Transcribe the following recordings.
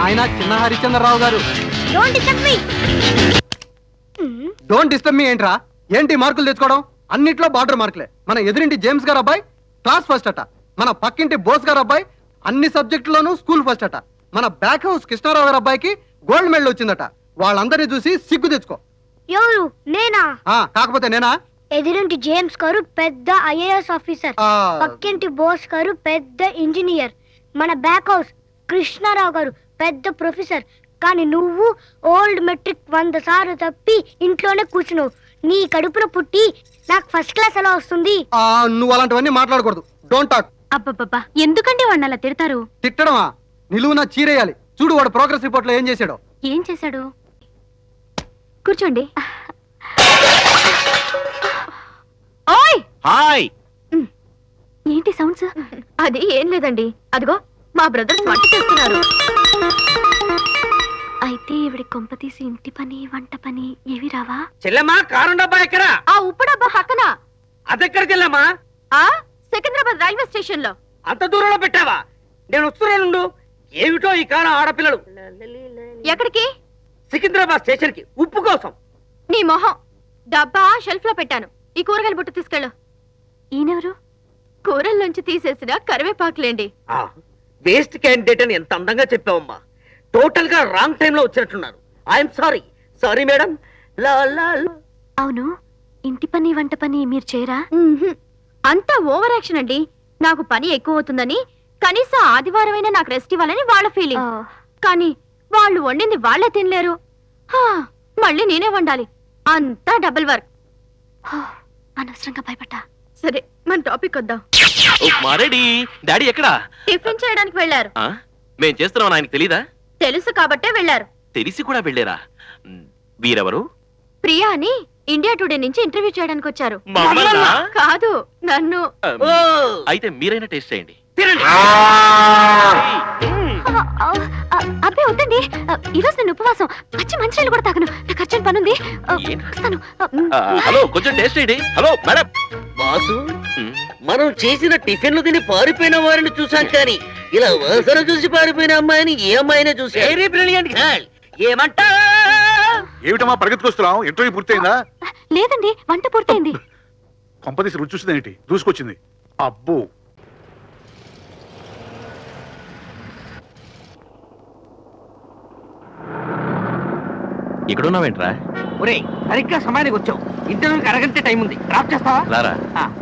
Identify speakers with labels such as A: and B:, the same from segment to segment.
A: ఆయన చిన్న హరిచంద్రరావు గారు. డోంట్ డిస్టర్బ్ మీ ఏంట్రా? ఏంటి మార్కులు తెచ్చుకోవడం? అన్నిట్లో బార్డర్ మార్కులే. మన ఎదురింటి జేమ్స్ గారు అబ్బాయి క్లాస్ ఫస్ట్ అట. మన పక్కింటి బోస్ గారు అబ్బాయి అన్ని సబ్జెక్టులోనూ స్కూల్ ఫస్ట్ అట. మన బ్యాక్ హౌస్ కృష్ణారావు గారు అబ్బాయికి గోల్డ్ మెడల్ వచ్చిందట. వాళ్ళందరినీ చూసి సిగ్గు తెచ్చుకో.
B: ఎవరు? నేనా?
A: కాకపోతే నేనా?
B: ఎదురింటి జేమ్స్ గారు పెద్ద ఐఏఎస్ ఆఫీసర్, పక్కింటి బోస్ గారు పెద్ద ఇంజనీర్, మన బ్యాక్ హౌస్ కృష్ణారావు గారు పెద్ద ప్రొఫెసర్. కానీ నువ్వు ఓల్డ్ మెట్రిక్ 100 సార్లు తప్పి ఇంట్లోనే కూర్చున్నావు. నీ కడుపున పుట్టి నాకు ఫస్ట్ క్లాస్ ఎలా వస్తుంది?
A: నువ్వు అలాంటివన్నీ మాట్లాడకూడదు. Don't talk.
C: అబ్బబ్బబ్బా, ఎందుకండి వాడిని అలా తిడతారు?
A: తిట్టడమా? నిలువున చీరేయాలి. చూడు వాడు ప్రోగ్రెస్ రిపోర్ట్ లో ఏం చేశాడో.
C: ఏం చేశాడు? కూర్చోండి. ఓయ్
D: హాయ్.
C: ఏంటి సౌండ్స్? అది ఏం లేదండి, అదిగో మా బ్రదర్స్ వంట చేస్తున్నారు. అయితే ఇవిడి కొంప తీసి ఇంటి పని వంట పని ఏవి రావా?
D: చెల్లెమ్మా, కారు డబ్బా ఎక్కడ?
C: ఆ ఉప్పు డబ్బా పక్కన.
D: అదెక్కడ చెల్లెమ్మా?
C: ఆ సికింద్రాబాద్ రైల్వే స్టేషన్ లో.
D: అంత దూరంలో పెట్టావా? నేను వస్తున్నానుండు. ఏమిటో ఈ కాలం ఆడపిల్లలు.
C: ఎక్కడికి?
D: సికింద్రాబాద్ స్టేషన్ కి ఉప్పు కోసం.
C: నీ మొహం. డబ్బా షెల్ఫ్ లో పెట్టాను. ఈ కూరగాయల బుట్ట తీసుకెళ్ళు. ఈయనెవరు? కూరల్లోంచి తీసేసిన కరివేపాకులేండి.
D: వేస్ట్ క్యాండిడేట్ అని ఎంత అందంగా చెప్పావమ్మా. టోటల్ గా రాంగ్ టైం లో వచ్చినట్టున్నారు. I'm sorry. Sorry madam.
C: అవును, ఇంటి పని వంట పని మీరు చేయరా? అంతా ఓవర్ యాక్షన్ అండి. నాకు పని ఎక్కువ అవుతుందని కనీసం ఆదివారమైనా నాకు రెస్ట్ ఇవ్వాలని వాళ్ళ ఫీలింగ్. కానీ వాళ్ళు వండింది వాళ్ళే తినలేరు. మళ్ళీ నేనే వండాలి. అంతా డబుల్ వర్క్. అనవసరంగా భయపడ్డా. సరే, మన టాపిక్ వద్దాం.
D: డాడీ ఎక్కడా?
C: టిఫిన్ చేయడానికి వెళ్ళారు.
D: మేం చేస్తున్నాం ఆయనకి తెలీదా?
C: తెలుసు కాబట్టే వెళ్ళారు.
D: తెలిసి కూడా వెళ్ళారా? వీరెవరు?
C: ప్రియా అని ఇండియా టుడే నుంచి ఇంటర్వ్యూ చేయడానికి వచ్చారు.
D: మమ్మల్నా?
C: కాదు, నన్ను.
D: అయితే మీరైనా టేస్ట్ చేయండి.
C: అబ్బే వద్దండి, ఈరోజు నేను ఉపవాసం. పచ్చి మంచినీళ్ళు కూడా తాగను. నాకు అర్జెంట్ పనుంది.
D: హలో, కొంచెం టేస్ట్ చేయండి. Hello madam. బాసు, మనం చేసిన టిఫిన్లు తిని పారిపోయిన వారిని చూసాం, కానీ ఇలా వాసన చూసి పారిపోయిన అమ్మాయిని ఏ అమ్మాయినే చూసి. ఏమంటా?
E: ఏమిటమ్మా పరిగెత్తుకొస్తున్నావు? ఇంటర్వ్యూ పూర్తయిందా?
C: లేదండి, వంట పూర్తయింది.
E: కొంపదీసి రుచి చూసింది ఏంటి? దూసుకొచ్చింది. అబ్బో,
D: ఇక్కడున్నావేంట్రా?
A: ఒరే, సరిగ్గా సమయానికి వచ్చావు. ఇంటర్వ్యూకి అరగంట టైం ఉంది. డ్రాప్ చేస్తావా?
D: రారా.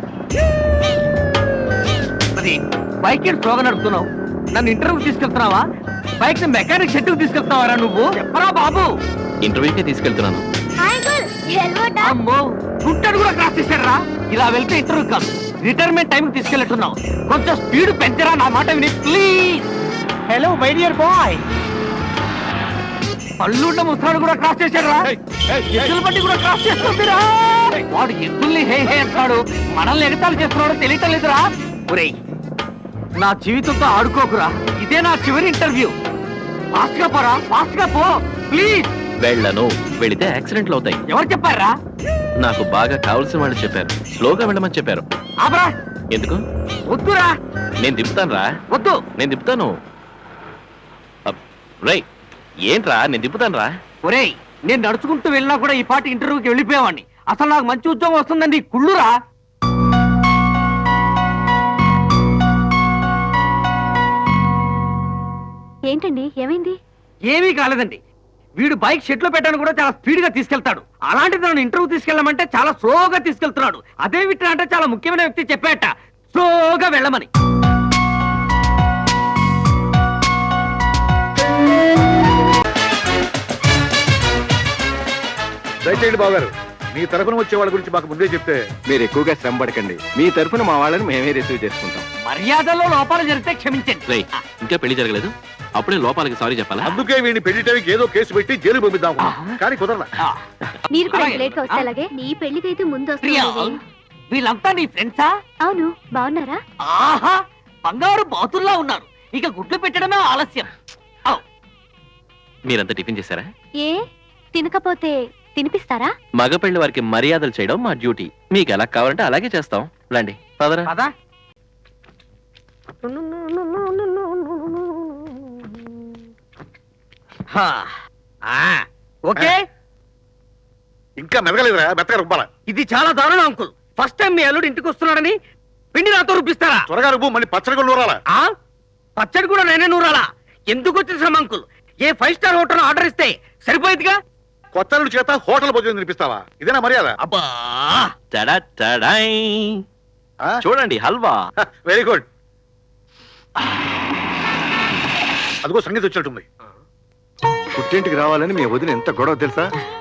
A: మరి బైక్ స్లోగా నడుపుతున్నావు. నన్ను ఇంటర్వ్యూ తీసుకెళ్తున్నావా? బైక్ మెకానిక్ షెడ్ కు తీసుకెళ్తావారా నువ్వు? చెప్పరా బాబు.
D: ఇంటర్వ్యూకే తీసుకెళ్తున్నాను.
A: అమ్మో, గుంటడు కూడా క్రాస్ చేశారా? ఇలా వెళ్తే ఇంటర్వ్యూ కాదు, రిటైర్మెంట్ టైం తీసుకెళ్తున్నావు. కొంచెం స్పీడ్ పెంచరా, నా మాట విని please. Hello my dear boy. పళ్ళుండ ముసలాడు కూడా క్రాస్ చేశారా? ఎద్దుల బండి కూడా క్రాస్ చేస్తుందిరా. వాడు ఎద్దుల్ని హే హే అంటాడు, మనల్ని ఎగతాలు చేస్తున్నాడో తెలియటం లేదురా. ఒరేయ్, నా జీవితంతో ఆడుకోకురా. ఇదే నా చివరి ఇంటర్వ్యూ. ఫాస్ట్ గా పోరా, ఫాస్ట్ గా పో ప్లీజ్.
D: వెళ్ళను. వెళితే యాక్సిడెంట్లు అవుతాయి.
A: ఎవరు చెప్పారా?
D: నాకు బాగా కావాల్సిన వాళ్ళు చెప్పారు. స్లోగా వెళ్ళమని చెప్పారు.
A: ఆపరా.
D: ఎందుకు?
A: వద్దురా.
D: నేను దింపుతాను రా.
A: వద్దు.
D: నేను దింపుతాను. రై, ఏంట్రా? నేను దింపుతాను రా.
A: ఒరేయ్, నేను నడుచుకుంటూ వెళ్ళినా కూడా ఈ పాటి ఇంటర్వ్యూకి వెళ్ళిపోయేవాడిని. అసలు నాకు మంచి ఉద్యోగం వస్తుందండి. కుళ్ళురా.
C: ఏంటండి, ఏమైంది?
A: ఏమీ కాలేదండి. వీడు బైక్ షెడ్ లో పెట్టాను కూడా చాలా స్పీడ్ గా తీసుకెళ్తాడు. అలాంటిది నన్ను ఇంటర్వ్యూ తీసుకెళ్ళమంటే చాలా స్లోగా తీసుకెళ్తున్నాడు. అదే విట్రా అంటే చాలా ముఖ్యమైన వ్యక్తి చెప్పాట స్లోగా వెళ్ళమని.
E: దయచేయండి బావగారు. మీ తరఫున వచ్చే వాళ్ళ గురించి మాకు ముందే చెప్తే.
F: మీరు ఎక్కువగా శ్రమ పడకండి. మీ తరఫున మా వాళ్ళని మేమే రిసీవ్ చేసుకుంటాం.
A: మర్యాదల్లో లోపాలు జరిగితే క్షమించండి.
D: రై, ఇంకా పెళ్లి జరగలేదు, అప్పుడే లోపాలకి సారీ చెప్పాలా?
E: అందుకే వీడిని పెళ్లి టైంకి ఏదో కేసు పెట్టి జైలు పంపిద్దాం, కానీ కుదరలా.
C: మీరు కూడా లేట్ గా వస్తే అలాగే. నీ పెళ్లికైతే ముందు వస్తుంది.
A: వీళ్ళంతా నీ ఫ్రెండ్సా?
C: అవును, బాగున్నారా?
A: ఆహా, బంగారు బాతుల్లా ఉన్నారు. ఇక గుడ్లు పెట్టడమే ఆలస్యం.
D: మీరంతా టిఫిన్ చేశారా?
C: ఏ తినకపోతే తినిపిస్తారా?
D: మగ పెళ్లి వారికి మర్యాదలు చేయడం మా డ్యూటీ. మీకు ఎలా కావాలంటే అలాగే చేస్తాం. రండి, పదరా.
A: పదా.
D: ఓకే
E: ఇంకా మెదగలేదురా, మెత్తగా రుబ్బాల.
D: ఇది చాలా దారుణం అంకుల్. ఫస్ట్ టైం మీ అల్లుడు ఇంటికి వస్తున్నాడని పిండి నాతో రూపిస్తారా?
E: త్వరగా రుబ్బు, మళ్ళీ పచ్చడి కూడా నూరాలా.
D: ఆ పచ్చడి కూడా నేనే నూరాలా? ఎందుకు వచ్చేసాం అంకుల్? ఏ 5 స్టార్ హోటల్ ఆర్డర్ ఇస్తే సరిపోయేదిగా.
E: కొత్త అల్లుడి చేత హోటల్ భోజనం తినిపిస్తావా? ఇదేనా మర్యాద?
D: అబ్బా
F: చూడండి హల్వా.
E: Very good. అదిగో సంగీత వచ్చినట్టుంది.
F: పుట్టింటికి రావాలని మీ వదిన ఎంత గొడవ తెలుసా?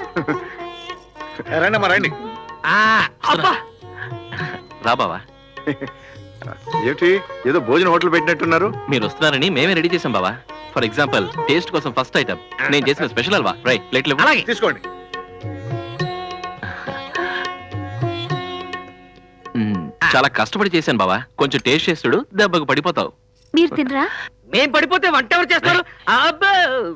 E: రండి అమ్మా, రండి.
D: అబ్బా
F: రా బావా. ఏమిటి ఏదో భోజన హోటల్ పెట్టినట్టున్నారు?
G: మీరు వస్తున్నారని మేమే రెడీ చేసాం బావా. ఫర్ ఎగ్జాంపుల్ టేస్ట్ కోసం ఫస్ట్ ఐటమ్ నేను చేసిన స్పెషల్ హల్వా. రైట్ ప్లేట్లు
D: అలాగే
E: తీసుకోండి.
G: చాలా కష్టపడి చేశాను బావా. కొంచెం టేస్ట్ చేస్తుడు, దెబ్బకు పడిపోతావు.
C: మీరు తినరా?
D: మేం పడిపోతే వంట ఎవరు చేస్తారు? అబ్బా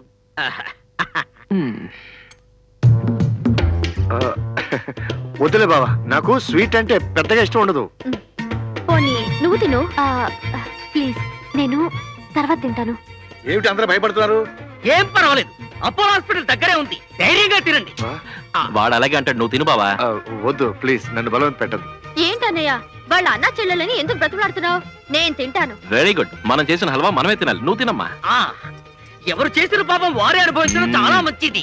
F: వద్దులే బావా, నాకు స్వీట్ అంటే పెద్దగా ఇష్టం ఉండదు.
C: పోనీ నువ్వు తిను. ప్లీజ్, నేను తర్వాత తింటాను.
E: ఏమిటి అందరూ భయపడుతున్నారు?
D: ఏం పర్వాలేదు, అపోలో హాస్పిటల్ దగ్గరే ఉంది, ధైర్యంగా తినండి.
G: వాడు అలాగే అంటాడు, నువ్వు తిను బావా.
F: వద్దు ప్లీజ్, నన్ను బలవంత పెట్టదు.
C: ఏంటన్నయ్య, వాళ్ళ అన్న చెల్లెలని ఎందుకు బ్రతుకులాడుతున్నావు? నేను తింటాను.
G: Very good. మనం చేసిన హల్వా మనమే తినాలి, నువ్వు తినమ్మా.
D: ఆ, ఎవరు చేసిన పాపం వారే అనుభవించడం చాలా మంచిది.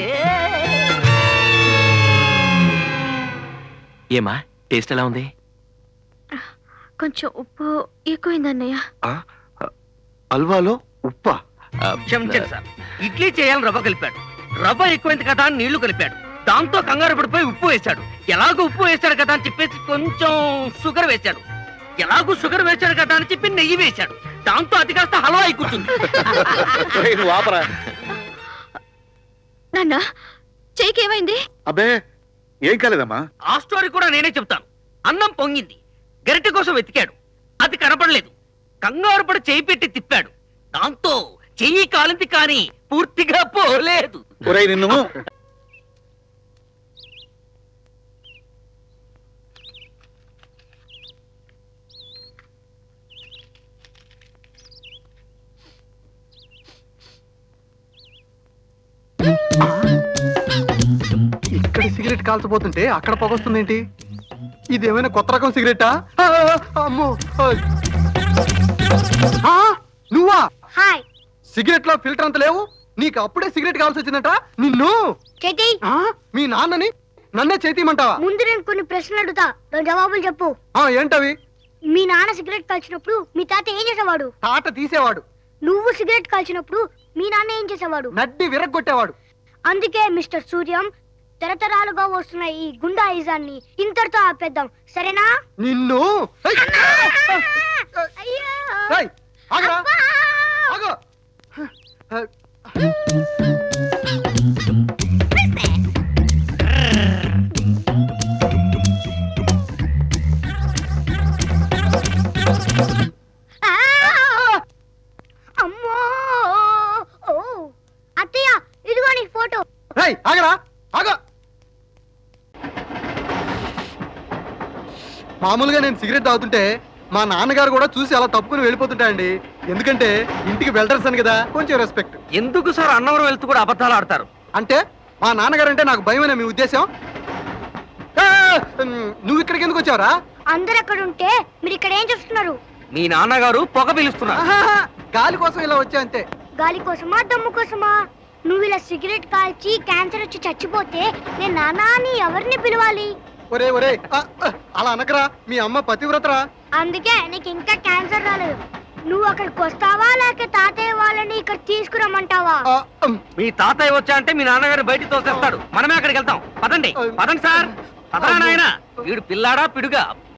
G: ఏమా టేస్ట్ ఎలా ఉంది?
C: కొంచెం ఉప్పు ఎక్కువైందన్నయ్య.
F: హల్వాలో ఉప్పా?
D: క్షమించండి సార్, ఇడ్లీ చేయాలని రవ్వ కలిపాడు, రవ్వ ఎక్కువైంది కదా అని నీళ్లు కలిపాడు, దాంతో కంగారు పడిపోయి ఉప్పు వేశాడు. ఎలాగో ఉప్పు వేశాడు కదా అని చెప్పేసి కొంచెం షుగర్ వేశాడు, ఎలాగో షుగర్ వేశాడు కదా అని చెప్పి నెయ్యి వేశాడు, దాంతో అది కాస్త హల్వా అయి కూర్చుంది.
E: ఒరేయ్, నువ్వు ఆపరా.
C: నాన్న చెయ్యికి ఏమైంది?
E: అబ్బే ఏం కాలేదమ్మా.
D: ఆ స్టోరీ కూడా నేనే చెప్తాను. అన్నం పొంగింది, గరిటె కోసం వెతికాడు, అది కనపడలేదు, కంగారు పడి చేయి పెట్టి తిప్పాడు, దాంతో చెయ్యి కాలింది కానీ పూర్తిగా పోలేదు.
E: ఒరేయ్ నిన్ను.
H: ఇక్కడ సిగరెట్ కాల్చబోతుంటే అక్కడ పొగొస్తుంది ఏంటి? ఇదేమైనా కొత్త రకం సిగరెటా? అమ్మో! నువ్వా?
B: హాయ్
H: సిగరెట్ లో ఫిల్టర్ అంత లేవు, నీకు అప్పుడే సిగరెట్ కావాల్సి వచ్చిందట. నిన్ను
B: చేతి,
H: మీ నాన్నని నన్నే చేతిమంటావా?
B: ముందు నేను కొన్ని ప్రశ్నలు అడుగుతా, దాని జవాబులు చెప్పు.
H: ఏంటవి?
B: మీ నాన్న సిగరెట్ కాల్చినప్పుడు మీ తాత ఏం చేసేవాడు?
H: తాట తీసేవాడు.
B: నువ్వు సిగరెట్ కాల్చినప్పుడు మీ నాన్న ఏం చేసేవాడు?
H: నడ్డి విరగ్గొట్టేవాడు.
B: అందుకే మిస్టర్ సూర్యం, తరతరాలుగా వస్తున్న ఈ గుండాయిజాన్ని ఇంతటితో ఆపేద్దాం, సరేనా?
H: నిన్ను
B: అయ్యో!
H: ఏయ్, ఆగరా,
B: అబ్బా!
H: ఆగు.
B: ఆ! అమ్మో! ఓ! అత్తయ్య, ఇదిగో నీ ఫోటో.
H: ఏయ్, ఆగరా, ఆగు. మామూలుగా నేను సిగరెట్ తాగుతుంటే మా నాన్నగారు కూడా చూసి అలా తప్పుకుని వెళ్ళిపోతుంటాయండి. ఎందుకంటే ఇంటికి వెల్డర్స్ అని కదా, కొంచెం రెస్పెక్ట్.
D: ఎందుకు సార్ అన్నవరం వెళ్తూ కూడా అబద్ధాలు ఆడతారు?
H: అంటే మా నాన్నగారు అంటే నాకు భయమేనా మీ ఉద్దేశం? నువ్వు ఇక్కడికి ఎందుకు వచ్చావురా?
B: అందరు అక్కడ ఉంటే మీరు ఇక్కడ ఏం చేస్తున్నారు?
D: మీ నాన్నగారు పొగ పిలుస్తున్నారు.
H: గాలి కోసం ఇలా వచ్చా అంతే.
B: గాలి కోసమా, దమ్ము కోసమా? నువ్వు ఇలా సిగరెట్ కాల్చి క్యాన్సర్ వచ్చి చచ్చిపోతే నేను నాన్న అని ఎవరిని పిలవాలి?
H: ఒరే ఒరే, అలా అనకరా, మీ అమ్మ పతివ్రతరా.
B: అందుకే నీకు ఇంకా క్యాన్సర్ రాలేదు. నువ్వు అక్కడికి వస్తావా లేక తాతయ్య వాళ్ళని ఇక్కడ తీసుకురమ్మంటావా?
D: మీ తాతయ్య వచ్చా అంటే మీ నాన్నగారు బయటికి తోసేస్తాడు, మనమే అక్కడికి వెళ్తాం. పదండి పదండి సార్, పదరా నాయనా. వీడు పిల్లాడా పిడుగా?